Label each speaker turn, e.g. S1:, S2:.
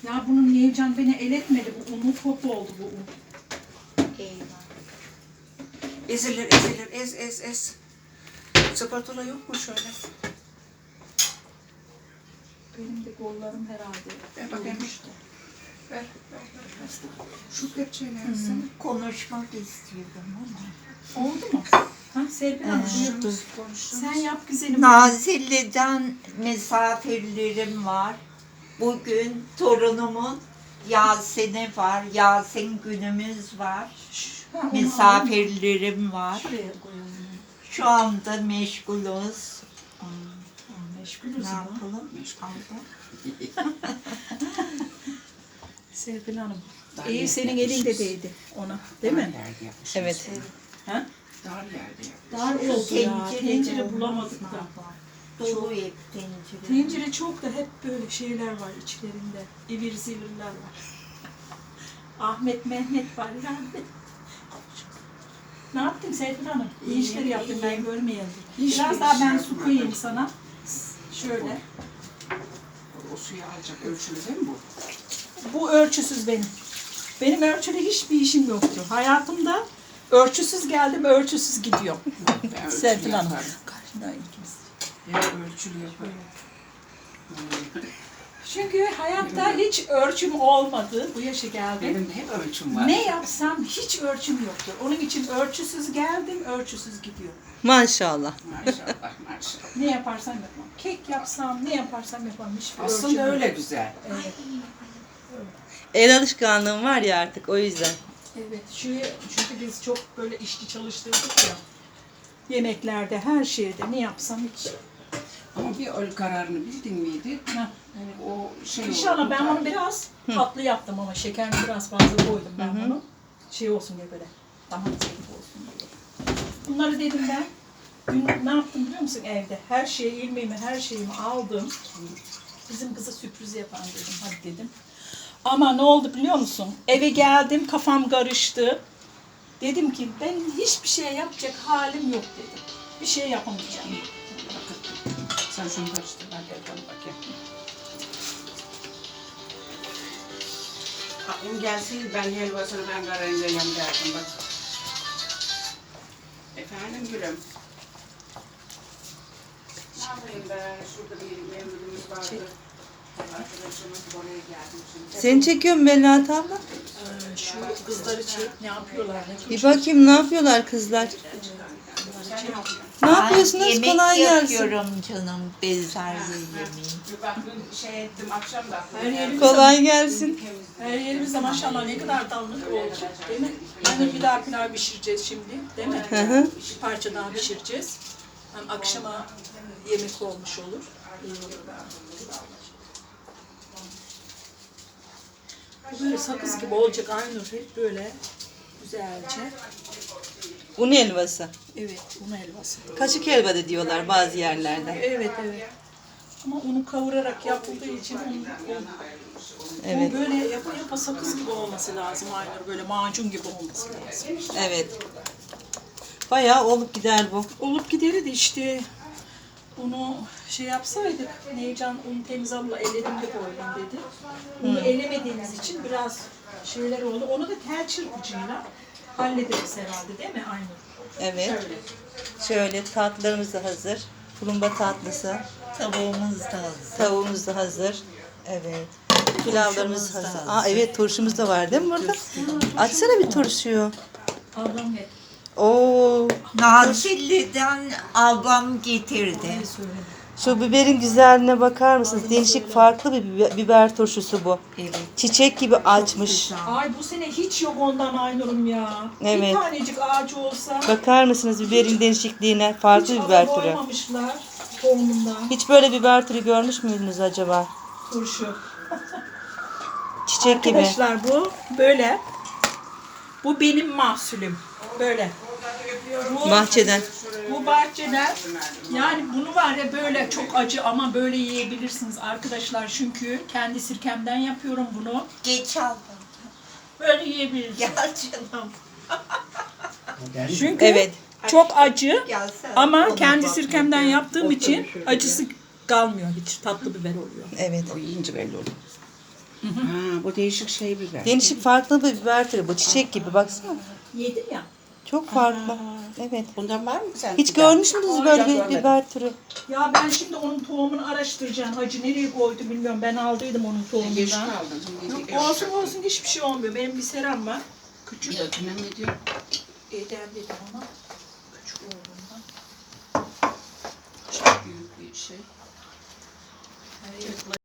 S1: Ya bunun Nevcan beni el etmedi. Bu unu top oldu bu un.
S2: Eyvah.
S3: Ezilir, ez. Spatula yok mu şöyle?
S1: Benim de kollarım herhalde.
S3: Ver bakayım.
S1: Olmuştu.
S3: Ver. Şu kepçeyi versene.
S2: Konuşmak istiyorum ama.
S1: Oldu mu? Ha Serpil Hanım buyur. Sen yap güzelim.
S2: Nazilli'den misafirlerim var. Bugün torunumun Yasin'i var. Yasin günümüz var.
S1: Ha, onu
S2: Misafirlerim var.
S1: şuraya koyalım.
S2: Şu anda meşgulüz.
S1: Meşgulüz
S2: Ne
S1: ama.
S2: yapalım?
S1: Serpil Hanım.
S3: Dar
S1: İyi
S3: yer
S1: senin
S3: yapmışız.
S1: elinde değdi ona. Değil mi?
S3: Yerde yapmışız.
S4: Evet.
S1: Ha?
S3: Dar yerde yapmışız.
S1: Dar oldu ya.
S2: Tencere
S1: Tencere
S2: olmaz
S1: bulamadık
S2: mı?
S1: da.
S2: Dolu hep tencere.
S1: Tencere çok da hep böyle şeyler var içlerinde. İvir zivirler var. Ahmet Mehmet var yani. Ne yaptın Serpil Hanım? İyi işler yaptın ben görmeyelim. Biraz daha ben su koyayım sana. Şöyle.
S3: O suyu alacak ölçülü değil mi bu?
S1: Bu ölçüsüz benim. Benim ölçülü hiçbir işim yoktu. Hayatımda ölçüsüz geldim, ölçüsüz gidiyorum.
S3: Ben ölçülü
S1: Serpil Hanım.
S3: yaparım.
S1: Karşında ikimiz.
S3: Ben ölçülü yaparım.
S1: Çünkü hayatta hiç ölçüm olmadı. Bu yaşa geldim.
S3: Benim de hep ölçüm var.
S1: Ne yapsam hiç ölçüm yoktur. Onun için ölçüsüz geldim, ölçüsüz gidiyorum.
S4: Maşallah.
S3: Maşallah.
S1: Ne yaparsam yapmam. Kek yapsam, ne yaparsam yapmam. Hiçbir ölçüm
S3: Aslında
S1: yok.
S3: öyle güzel.
S1: Evet.
S4: El alışkanlığım var ya artık o yüzden.
S1: Evet. Çünkü biz çok böyle işçi çalıştırdık ya. Yemeklerde, her şeyde ne yapsam hiç.
S3: Ama bir öl kararını bildin miydi?
S1: Heh, evet.
S3: O şey
S1: İnşallah
S3: olur,
S1: ben
S3: tutar.
S1: onu biraz tatlı yaptım ama şekerini biraz fazla koydum ben bunu. Şey olsun diye böyle. Daha zevkli olsun diye. Bunları dedim ben. Dün ne yaptım biliyor musun evde? Her şeyi, ilmeğimi, her şeyimi aldım. Bizim kıza sürpriz yapan dedim. Hadi dedim. Ama ne oldu biliyor musun? Eve geldim, kafam karıştı. Dedim ki ben hiçbir şey yapacak halim yok dedim. Bir şey yapamayacağım.
S3: Sen şunu karıştır. Ben gel bakayım. Abim gelsin ben helvasını ben karayacağım derdim bak. Efendim gülüm. Ne yapayım ben? Şurada bir memurumuz vardı. Arkadaşımız oraya geldi şimdi.
S4: Seni çekiyorum Melahat abla.
S1: Şu kızları çek, ne yapıyorlar? Ne
S4: Bir bakayım ne yapıyorlar kızlar. Ne yapıyorsunuz?
S2: Yemek
S4: Kolay gelsin.
S2: yapıyorum canım. Bezelye yemeği.
S3: Bir baktım şey ettim akşam da.
S1: Her yerimiz
S4: Kolay gelsin.
S1: Her yerimizde maşallah ne kadar dallık olacak değil mi? Yani bir daha pilav pişireceğiz şimdi değil mi?
S4: Hı hı.
S1: Bir parça daha pişireceğiz. Hem akşama yemek olmuş olur. İyi olur. Bu böyle sakız gibi olacak Aynur hep böyle güzelce.
S4: Un helvası.
S1: Evet, un helvası.
S4: Kaşık helva da diyorlar bazı yerlerde.
S1: Evet, evet. Ama unu kavurarak yapıldığı için
S4: Evet.
S1: böyle yapa sakız gibi olması lazım Aynur. Böyle macun gibi olması lazım.
S4: Evet. Bayağı olup gider bu.
S1: Olup gideri de işte bunu şey yapsaydık, Nevcan unu temiz abla eledim de koydum dedi. Unu elemediğimiz için biraz şeyler oldu. Onu da tel çırpıcıyla hallederiz herhalde değil mi Aynur?
S4: Evet.
S1: Şöyle.
S4: Şöyle tatlılarımız da hazır. Tulumba tatlısı.
S2: Tavuğumuz da hazır.
S4: Tavuğumuz da hazır. Evet. Pilavlarımız
S2: Turşumuz da
S4: hazır.
S2: hazır.
S4: Aa evet turşumuz da var değil mi burada? Açsana bir turşuyu.
S1: Ablam hep
S4: Oo.
S2: Nazilli'den ablam getirdi.
S1: söyledi.
S4: Şu biberin güzelliğine bakar mısınız? Değişik farklı bir biber turşusu bu.
S2: Evet.
S4: Çiçek gibi açmış.
S1: Ay bu sene hiç yok ondan Aynur'um ya.
S4: Evet.
S1: Bir tanecik ağacı olsa
S4: Bakar mısınız biberin değişikliğine? Farklı
S1: hiç
S4: bir biber
S1: biber
S4: türü.
S1: koymamışlar tohumundan.
S4: Hiç böyle biber türü görmüş müydünüz acaba?
S1: Turşu.
S4: Çiçek gibi.
S1: Arkadaşlar bu böyle. Bu benim mahsulüm. Böyle. Bu,
S4: Bahçeden.
S1: bu bahçeden yani bunu var ya böyle çok acı ama böyle yiyebilirsiniz arkadaşlar. Çünkü kendi sirkemden yapıyorum bunu.
S2: Geç aldım.
S1: Böyle yiyebilirsiniz.
S2: Gel canım.
S1: Çünkü
S4: Evet.
S1: çok acı
S2: Gelsene.
S1: ama
S2: Ona
S1: kendi
S2: bak.
S1: sirkemden yaptığım için acısı kalmıyor hiç. Tatlı biber oluyor.
S4: Evet.
S3: O yiyince belli olur. Ha, bu değişik şey biber.
S4: Değişik farklı bir biber türü. Bu çiçek gibi baksana.
S1: Yedim ya.
S4: Çok farklı. Evet.
S3: Bundan var mı sen?
S4: Hiç görmüş müydünüz
S1: Hayır,
S4: böyle bir
S3: görmedim.
S4: biber türü?
S1: Ya ben şimdi onun tohumunu araştıracağım. Hacı nereye koydu bilmiyorum. Ben aldıydım onun
S3: Geç
S1: tohumundan.
S3: kaldın. Şimdi
S1: Yok, olsun olsun hiçbir şey olmuyor. Benim bir seram var.
S3: Küçük. Ya ne diyor?
S1: Edem dedim ama küçük olduğundan.
S3: Çok büyük bir şey.